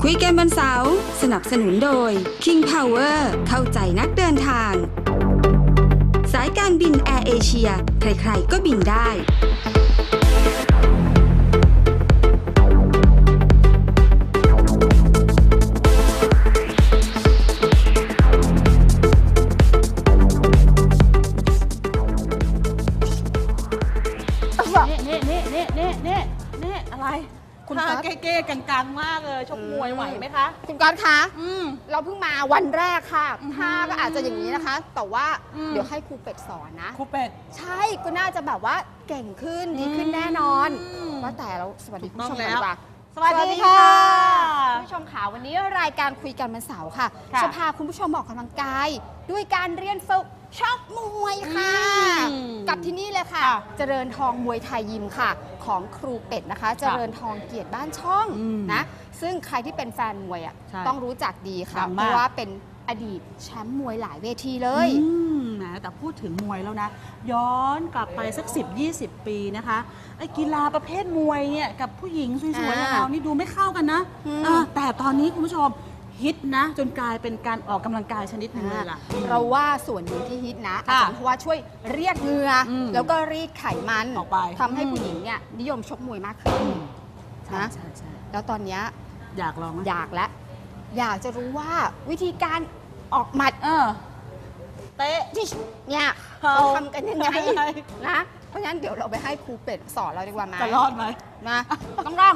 คุยกันวันเสาร์สนับสนุนโดย King Power เข้าใจนักเดินทาง สายการบินแอร์เอเชียใครๆก็บินได้นี่อะไรคุณตาเก้ๆกลางๆมากเลยชกมวยไหวไหมคะคุณก๊อตคะเราเพิ่งมาวันแรกค่ะท่าก็อาจจะอย่างนี้นะคะ แต่ว่าเดี๋ยวให้ครูเป็ดสอนนะครูเป็ดใช่ก็น่าจะแบบว่าเก่งขึ้นดีขึ้นแน่นอนว่าแต่เราสวัสดีคุณผู้ชมกันดีกว่าสวัสดีค่ะคุณผู้ชมค่ะวันนี้รายการคุยกันวันเสาร์ค่ะจะพาคุณผู้ชมออกกำลังกายด้วยการเรียนฝึกชกมวยค่ะกับที่นี่เลยค่ะเจริญทองมวยไทยยิมค่ะของครูเป็ดนะคะเจริญทองเกียรติบ้านช่องนะซึ่งใครที่เป็นแฟนมวยอ่ะต้องรู้จักดีค่ะเพราะว่าเป็นอดีตแชมป์มวยหลายเวทีเลยนะแต่พูดถึงมวยแล้วนะย้อนกลับไปสัก10-20 ปีนะคะไอ้กีฬาประเภทมวยเนี่ยกับผู้หญิงสวยๆอย่างเรานี่ดูไม่เข้ากันนะแต่ตอนนี้คุณผู้ชมฮิตนะจนกลายเป็นการออกกำลังกายชนิดหนึ่งเลยล่ะเราว่าส่วนหนึ่งที่ฮิตนะอาจารย์เพราะว่าช่วยเรียกเหงื่อแล้วก็รีดไขมันออกไปทำให้ผู้หญิงเนี่ยนิยมชกมวยมากขึ้นนะแล้วตอนนี้อยากลองอยากแล้วอยากจะรู้ว่าวิธีการออกหมัดเตะเนี่ยเขาทำกันยังไงนะเพราะฉะนั้นเดี๋ยวเราไปให้ครูเป็ดสอนเราดีกว่าไหมจะรอดไหมนะต้องลอง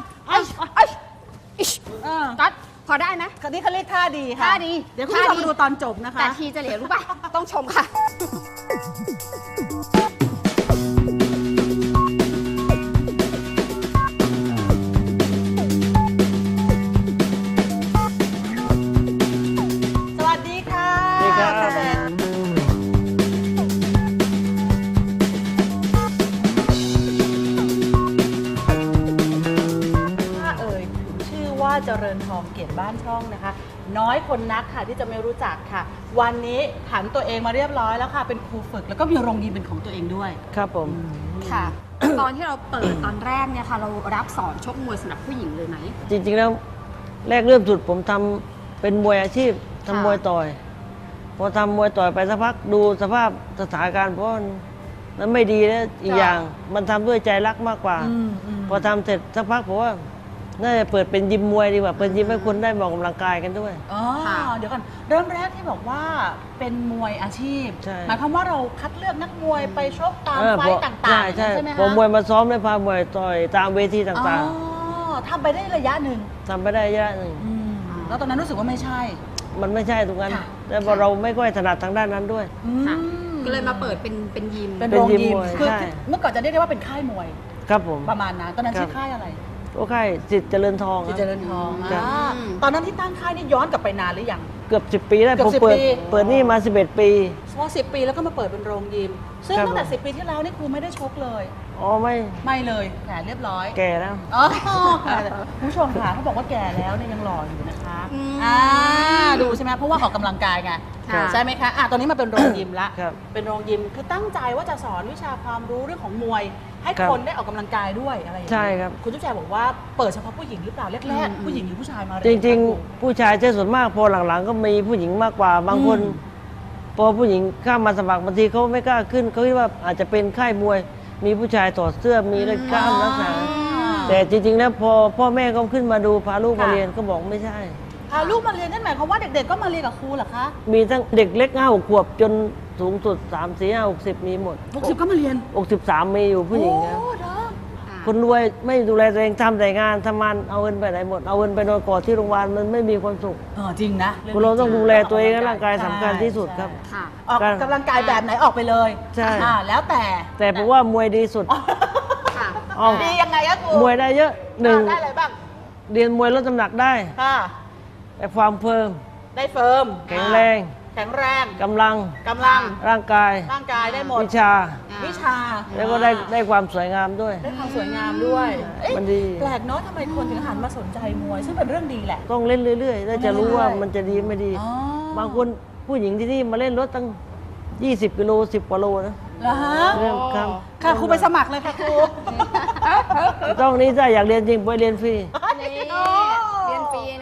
ก๊อตพอได้ไหมคนนี้เขาเรียกท่าดีค่ะท่าดีเดี๋ยวคุณผู้ชมดูตอนจบนะคะแต่ทีจะเหลียวรู้ป่ะต้องชมค่ะสวัสดีค่ะสวัสดีครับว่าเจริญทองเกียรติบ้านช่องนะคะน้อยคนนักค่ะที่จะไม่รู้จักค่ะวันนี้ผันตัวเองมาเรียบร้อยแล้วค่ะเป็นครูฝึกแล้วก็มีโรงยิมเป็นของตัวเองด้วยครับผมค่ะ ตอนที่เราเปิดตอนแรกเนี่ยค่ะเรารับสอนชกมวยสำหรับผู้หญิงเลยไหมจริงๆแล้วแรกเริ่มสุดผมทำเป็นมวยอาชีพทำมวยต่อยพอทำมวยต่อยไปสักพักดูสภาพสถานการณ์เพราะนั้นไม่ดีแล้วอีกอย่างมันทำด้วยใจรักมากกว่าพอทำเสร็จสักพักผมว่าน่าจะเปิดเป็นยิมมวยดีกว่าเปิดยิมให้คนได้ออกกำลังกายกันด้วยเดี๋ยวก่อนเริ่มแรกที่บอกว่าเป็นมวยอาชีพหมายความว่าเราคัดเลือกนักมวยไปชกตามไฟต์ต่างๆใช่ไหมคะพอมวยมาซ้อมได้พามวยต่อยตามเวทีต่างๆทำไปได้ระยะหนึ่งทำไปได้ระยะหนึ่งแล้วตอนนั้นรู้สึกว่าไม่ใช่มันไม่ใช่ตรงนั้นแต่พอเราไม่ค่อยถนัดทางด้านนั้นด้วยก็เลยมาเปิดเป็นยิมเป็นโรงยิมคือเมื่อก่อนจะเรียกได้ว่าเป็นค่ายมวยครับผมประมาณนั้นตอนนั้นชื่อค่ายอะไรโอเคสิทธิ์เจริญทองสิทธิ์เจริญทองตอนนั้นที่ตั้งค่ายนี่ย้อนกลับไปนานหรือยังเกือบ10 ปีแล้วผมเปิดนี่มา11 ปีพอ10 ปีแล้วก็มาเปิดเป็นโรงยิมซึ่งตั้งแต่10 ปีที่แล้วนี่ครูไม่ได้ชกเลยอ๋อไม่เลยแผลเรียบร้อยแก่แล้วผู้ชมค่ะเขาบอกว่าแก่แล้วเนี่ยยังหล่ออยู่นะคะดูใช่ไหมเพราะว่าออกกำลังกายไงใช่ไหมคะตอนนี้มาเป็นโรงยิมละเป็นโรงยิมคือตั้งใจว่าจะสอนวิชาความรู้เรื่องของมวยให้คนได้ออกกำลังกายด้วยอะไรอย่างเงี้ยใช่ครับคุณจุ๊บแจบอกว่าเปิดเฉพาะผู้หญิงหรือเปล่าแรกๆผู้หญิงหรือผู้ชายมาจริงๆผู้ชายใช่ส่วนมากพอหลังๆก็มีผู้หญิงมากกว่าบางคนพอผู้หญิงเข้ามาสมัครบางทีเขาไม่กล้าขึ้นเขาคิดว่าอาจจะเป็นค่ายมวยมีผู้ชายถอดเสื้อมีกล้ามลักษณะแต่จริงๆแล้วพอพ่อแม่เขาขึ้นมาดูพาลูกมาเรียนก็บอกไม่ใช่พาลูกมาเรียนนั่นหมายความว่าเด็กๆก็มาเรียนกับครูเหรอคะมีทั้งเด็กเล็ก5-6 ขวบจนสูงสุด3 4 5 60มีหมด 60ก็มาเรียน 63มีอยู่ผู้หญิงครับคนรวยไม่ดูแลตัวเองทำแต่งานทำงานเอาเงินไปไหนหมดเอาเงินไปนอนกอดที่โรงพยาบาลมันไม่มีความสุขจริงนะเราต้องดูแลตัวเองร่างกายสำคัญที่สุดครับออกกำลังกายแบบไหนออกไปเลยใช่แล้วแต่ผมว่ามวยดีสุดดียังไงอะครูมวยได้เยอะหนึ่งได้อะไรบ้างเรียนมวยลดน้ำหนักได้แต่ความเฟิร์มได้เฟิร์มแข็งแรงกำลังร่างกายได้หมดวิชาแล้วก็ได้ความสวยงามด้วยได้ความสวยงามด้วยมันดีแปลกเนาะทำไมคนถึงหันมาสนใจมวยซึ่งเป็นเรื่องดีแหละต้องเล่นเรื่อยๆแล้วจะรู้ว่ามันจะดีไม่ดีบางคนผู้หญิงที่นี่มาเล่นรถตั้ง20 กิโล10 กว่าโลนะเหรอฮะค่ะครูไปสมัครเลยค่ะครูต้องนี้ถ้าอยากเรียนจริงไปเรียนฟรีเรียนฟรีนะ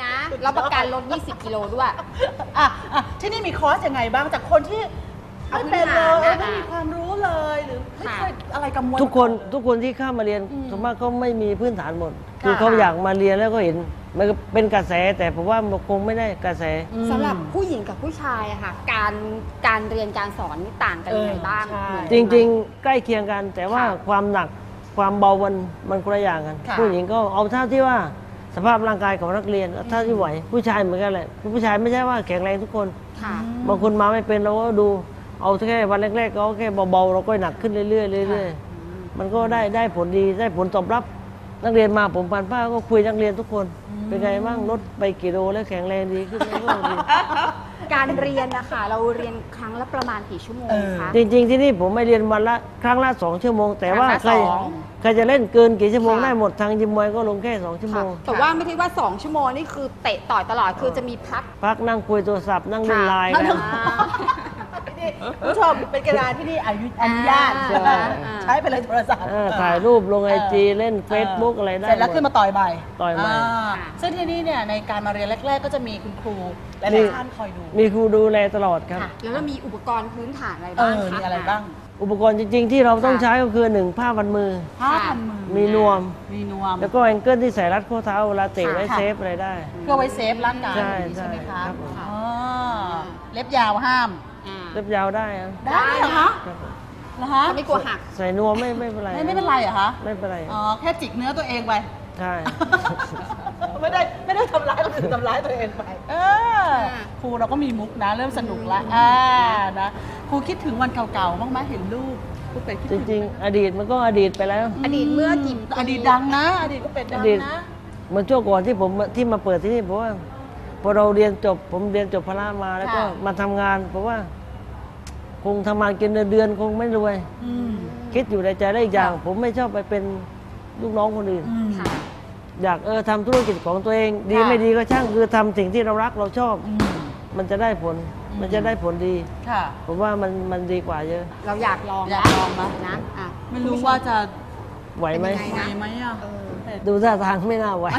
รับประกันลด 20 กิโลด้วยอ่ะที่นี่มีคอร์สยังไงบ้างจากคนที่ไม่เป็นเลยเอาพื้นฐานนะไม่มีความรู้เลยหรือไม่เคยอะไรกับมวยทุกคนมาก่อทุกคนที่เข้ามาเรียนส่วนมากเขาไม่มีพื้นฐานหมดค่ะคือเขาอยากมาเรียนแล้วก็เห็นมันก็เป็นกระแส แต่ผมว่ามันคงไม่ได้กระแสสำหรับผู้หญิงกับผู้ชายอะค่ะ การเรียนการสอนนี่ต่างกันยังไงบ้างใช่เหมือนจกันไหมริงๆ ใกล้เคียงกัน แต่ว่าค่ะความหนักความเบามันคนละอย่างกันค่ะผู้หญิงก็เอาเท่าที่ว่าสภาพร่างกายของนักเรียนเท่าที่ไหวผู้ชายเหมือนกันแหละผู้ชายไม่ใช่ว่าแข็งแรงทุกคนค่ะบางคนมาไม่เป็นเราก็ดูเอาแค่วันแรกๆก็แค่เบาๆเราก็หนักขึ้นเรื่อยๆเรื่อยๆมันก็ได้ผลดีได้ผลตอบรับนักเรียนมาผมผ่านป้าก็คุยนักเรียนทุกคน เป็นไงบ้างลดไปกี่โลแล้วแข็งแรงดีขึ้นไหมก็ดีการเรียนนะคะเราเรียนครั้งละประมาณกี่ชั่วโมงคะจริงๆที่นี่ผมไม่เรียนวันละครั้งละ2 ชั่วโมง แต่ว่าครั้งละใครสองใครจะเล่นเกินกี่ชั่วโมงค่ะได้หมดทางยิมมวยก็ลงแค่2 ชั่วโมค่ะงแต่ว่าไม่ใช่ว่า 2 ชั่วโมงนี่คือเตะต่อยตลอดคือจะมีพักพักนั่งคุยโทรศัพท์นั่งเล่นไลน์ค่ะกันนี่คุณผู้ชมเป็นกีฬาที่นี่อนุญาตอ่าใช้ไปเลยโทรศัพท์ถ่ายรูปลงไอจีเล่น Facebook อะไรได้เสร็จแล้วหมดขึ้นมาต่อยใหม่ต่อยใหม่ซึ่งที่นี่เนี่ยในการมาเรียนแรก ๆ ก็จะมีคุณครูหลายๆท่านคอยดูมีครูดูแลตลอดครับค่ะ แล้วก็มีอุปกรณ์พื้นฐานอะไรบ้างคะมีอะไรบ้างอุปกรณ์จริง ๆ ที่เราต้องใช้ก็คือ1ผ้าพันมือผ้าพันมือมีนวมมีนวมแล้วก็แองเกิลที่ใส่รัดข้อเท้าเวลาเตะไว้ค่ะเซฟอะไรได้เพื่อไว้เซฟร่างกายใช่ใช่ไหมใช่คะครับผมอ๋อเล็บยาวห้ามอ่าเล็บยาวได้ครับได้เหรอคะครับผมเหรอคะไม่กลัวหักใส่นวมไม่เป็นไรไม่เป็นไรเหรอคะไม่เป็นไรอ๋อแค่จิกเนื้อตัวเองไปใช่ไม่ได้ทำร้ายคนอื่นทำร้ายตัวเองไปครูเราก็มีมุกนะเริ่มสนุกละนะครูคิดถึงวันเก่าๆบ้างไหมเห็นรูปครูเป็ดคิดจถึงริงๆ อดีตมันก็อดีตไปแล้วอดีตเมื่อกี่ปีอดีตดังนะ อดีตก็เป็นดังอดีตนะเหมือนช่วงก่อนที่ผมที่มาเปิดที่นี่เพราะว่าพอเราเรียนจบผมเรียนจบพละมาแล้วก็ค่ะมาทำงานเพราะว่า คงทำงานกินเดือนคงไม่รวยอืมคิดอยู่ในใจได้อีกอย่างค่ะผมไม่ชอบไปเป็นลูกน้องคนอื่นอืมค่ะอยากทำธุรกิจของตัวเอง ดีค่ะไม่ดีก็ช่างคือทำสิ่งที่เรารักเราชอบอืมมันจะได้ผล มันจะได้ผลดีค่ะผมว่ามันดีกว่าเยอะเราอยากลองอยากลองนะนะอ่ะไม่รู้ว่าจะไหวไหมเป็นยังไงไหวไหมอ่ะดูท่าทางไม่น่าไหว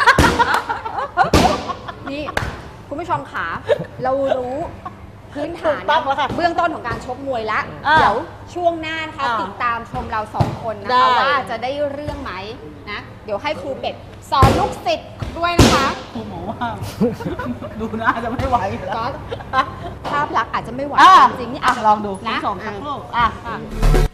นี่คุณผู้ชมขาเรารู้พื้นฐานถูกต้องแล้วค่ะเบื้องต้นของการชกมวยแล้วอ่าเดี๋ยวช่วงหน้านะคะอ่าติดตามชมเราสองคนนะได้คะว่าจะได้เรื่องไหมนะ เดี๋ยวให้ครูเป็ดสอนลูกศิษย์ด้วยนะคะครูหมอว่า ดูน่าจะไม่ไหวแล้วก็ภาพลักษณ์อาจจะไม่ไหวอ่ะจริงๆนี่อ่ะอาจจะลองดูคุณนะผู้ชมสักอ่ะครู่อ่ะ